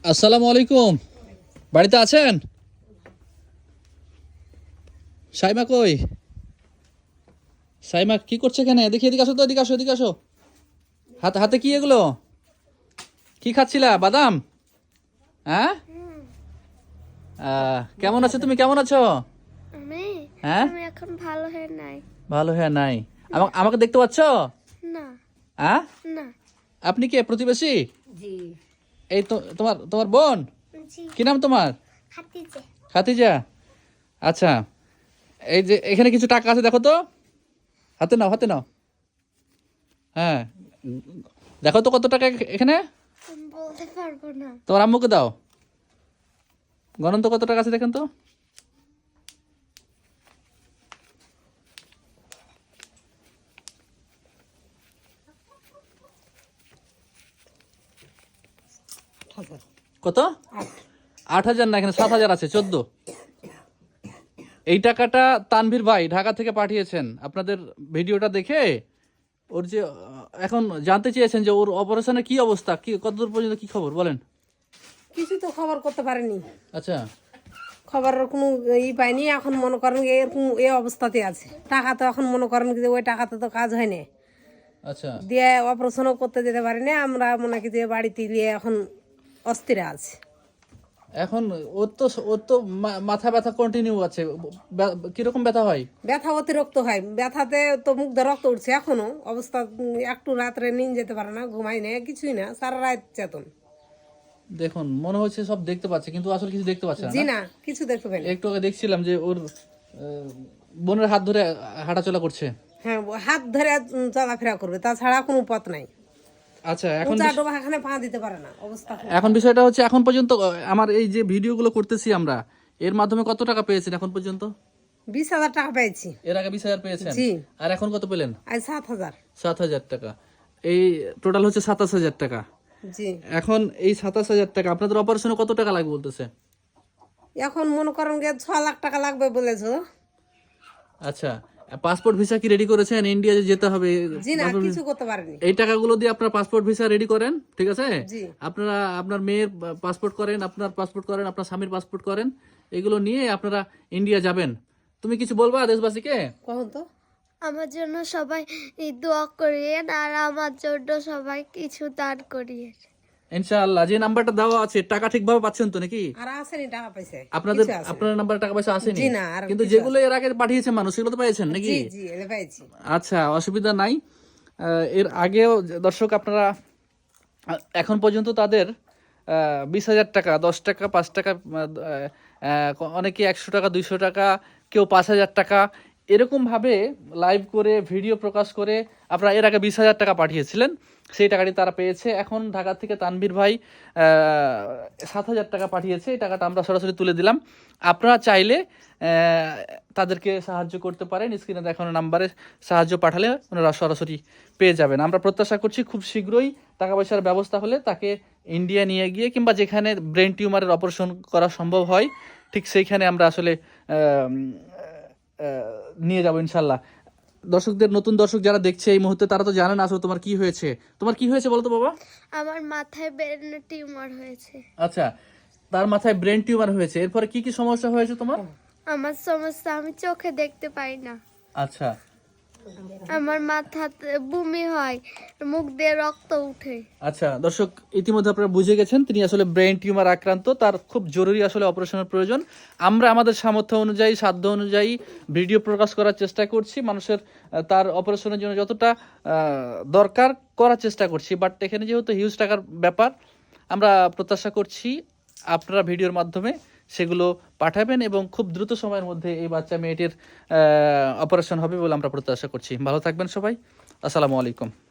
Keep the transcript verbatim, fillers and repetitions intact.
আসসালামু আলাইকুম। বাড়িতে আছেন? সাইমা কই? সাইমা কি করছে এখানে? দেখি, এদিকে আসো তো, এদিকে আসো, এদিকে আসো। হাতে হাতে কি এগুলো? কি খাচ্ছিলা? বাদাম? হ্যাঁ। আহ, কেমন আছো তুমি? কেমন আছো? আমি হ্যাঁ, আমি এখন ভালো হয়ে নাই। ভালো হ্যাঁ নাই। আমাকে আমাকে দেখতে পাচ্ছ? না হ্যাঁ। না। আপনি কে? প্রতিবেশী? জি এই তো তোমার তোমার বোন? জি কি নাম তোমার? খাতিজা। খাতিজা। আচ্ছা, এই যে এখানে কিছু টাকা আছে, দেখো তো। হাতে নাও, হাতে নাও। হ্যাঁ, দেখো তো কত টাকা এখানে। আমি বলতে পারবো না। তোমার আম্মুকে দাও। গণন তো কত টাকা আছে, দেখেন তো। কত? আট হাজার না, এখানে সাত হাজার আছে, চোদ্দ। এই টাকাটা তানভীর ভাই ঢাকা থেকে পাঠিয়েছেন। আপনাদের ভিডিওটা দেখে ওর যে আহ, এখন জানতে চেয়েছেন যে ওর অপারেশনের কি অবস্থা, কি কতদূর পর্যন্ত, কি খবর বলেন। কিছু তো খবর করতে পারেনি, আচ্ছা খবরের কোনো ই পাইনি। এখন মনে করেন যে এরকম এই অবস্থাতে আছে। টাকা তো এখন মনে করেন যে ওই টাকাতে তো কাজ হয় না, আচ্ছা। দিয়ে অপারেশনও করতে যেতে পারিনি। আমরা মনে করি যে বাড়িতে গিয়ে এখন অস্থির আছে। এখন ওর তো ওর তো মা- মাথা ব্যথা কন্টিনিউ আছে। বে- কিরকম ব্যথা হয়? ব্যথা অতিরিক্ত হয়, ব্যথাতে তো মুখ দিয়ে রক্ত উঠছে এখনো। অবস্থা উম, একটু রাত্রে নিন যেতে পারে না, ঘুমাই না, কিছুই না, সারা রাত চেতন। দেখুন, মনে হচ্ছে সব দেখতে পাচ্ছে, কিন্তু আসলে কিছু দেখতে পাচ্ছে না, জি না? না, কিছু দেখতে পাই না। একটু আগে দেখছিলাম যে ওর আহ, বোনের হাত ধরে হাঁটাচলা করছে। হ্যাঁ, ও হাত ধরে উম, চলাফেরা করবে, তাছাড়া কোনো পথ নাই। আচ্ছা, এখন উঁচা বিষ- ডোবা এখানে পা দিতে পারে না, অবস্থা খুব। এখন বিষয়টা হচ্ছে, এখন পর্যন্ত আহ, আমার এই যে ভিডিওগুলো করতেছি আমরা, এর মাধ্যমে কত টাকা পেয়েছেন এখন পর্যন্ত? বিশ হাজার টাকা পেয়েছি। এর আগে বিশ হাজার পেয়েছেন, জি। আর এখন কত পেলেন? আজ সাত হাজার। সাত হাজার টাকা। এই টোটাল হচ্ছে সাতাশ হাজার টাকা। জি। এখন এই সাতাশ হাজার টাকা আপনাদের অপারেশনে কত টাকা লাগবে বলতেছে? এখন মনে করেন যে ছ লাখ টাকা লাগবে বলেছো। আচ্ছা, পাসপোর্ট ভিসা কি রেডি করেছেন? ইন্ডিয়া যে যেতে হবে, জি না, কিছু করতে পারেনি। এই টাকাগুলো দিয়ে আপনার পাসপোর্ট ভিসা রেডি করেন, ঠিক আছে? জি। আপনারা আপনার মেয়ের পাসপোর্ট করেন, আপনার পাসপোর্ট করেন, আপনার স্বামীর পাসপোর্ট করেন, এগুলো নিয়ে আপনারা ইন্ডিয়া যাবেন। তুমি কিছু বলবা দেশবাসীকে? কখন তো আমার জন্য সবাই দোয়া করিয়েন, আর আমার জন্য সবাই কিছু দান করিয়েন। ইনশাআল্লাহ। যে নাম্বারটা দেওয়া আছে, টাকা ঠিকভাবে পাচ্ছেন তো নাকি? আর আসেনি টাকা পয়সা, আপনাদের কিছু আসেনি। আপনার নাম্বারে টাকা পয়সা আসেনি? জি না, আর কিন্তু কিছু যেগুলো এর আগে পাঠিয়েছে মানুষ, সেগুলো তো পেয়েছেন নাকি? জি জি এলে পেয়েছি। আচ্ছা, অসুবিধা নাই। আহ, এর আগেও যে- দর্শক আপনারা আহ, এখন পর্যন্ত তাদের বিশ হাজার টাকা, দশ টাকা, পাঁচ টাকা, আহ, আহ, অনেকে একশো টাকা, দুইশো টাকা, কেউ পাঁচ হাজার টাকা, এরকমভাবে লাইভ করে ভিডিও প্রকাশ করে আপনারা এর আগে বিশ হাজার টাকা পাঠিয়েছিলেন। সেই টাকাটি তারা পেয়েছে। এখন ঢাকা থেকে তানভীর ভাই সাত হাজার টাকা পাঠিয়েছে, এই টাকাটা আমরা সরাসরি তুলে দিলাম। আপনারা চাইলে আহ, তাদেরকে সাহায্য করতে পারেন। স্ক্রিনে দেখানো নাম্বারে সাহায্য পাঠালে ওনারা সরাসরি পেয়ে যাবেন। আমরা প্রত্যাশা করছি খুব শীঘ্রই টাকা পয়সার ব্যবস্থা হলে তাকে ইন্ডিয়া নিয়ে গিয়ে, কিংবা যেখানে ব্রেন টিউমারের অপারেশন করা সম্ভব হয়, ঠিক সেইখানে আমরা আসলে আহ, আহ, নিয়ে যাবো ইনশাল্লাহ। দর্শকদের, নতুন দর্শক যারা দেখছে এই মুহূর্তে, তারা তো জানে না আসলে তোমার কি হয়েছে। তোমার কি হয়েছে বলো তো বাবা? আমার মাথায় ব্রেন টিউমার হয়েছে। আচ্ছা, তার মাথায় ব্রেন টিউমার হয়েছে। এরপরে কি কি সমস্যা হয়েছে তোমার? আমার সমস্যা, আমি চোখে দেখতে পাই না। আচ্ছা, আমার মাথাতে বমি হয়, মুখ দিয়ে রক্ত উঠে। আচ্ছা দর্শক, ইতিমধ্যে আপনারা বুঝে গেছেন তিনি আসলে ব্রেন টিউমার আক্রান্ত। তার খুব জরুরি আসলে অপারেশনের প্রয়োজন। আমরা আমাদের সামর্থ্য অনুযায়ী, সাধ্য অনুযায়ী ভিডিও প্রকাশ করার চেষ্টা করছি, মানুষের আহ, তার অপারেশনের জন্য যতটা আহ, দরকার করার চেষ্টা করছি। বাট এখানে যেহেতু হিউজ টাকার ব্যাপার, আমরা প্রত্যাশা করছি আপনারা ভিডিওর মাধ্যমে সেগুলো পাঠাবেন এবং খুব দ্রুত সময়ের মধ্যে এই বাচ্চা মেয়েটির অপারেশন হবে বলে আমরা প্রত্যাশা করছি। ভালো থাকবেন সবাই। আসসালামু আলাইকুম।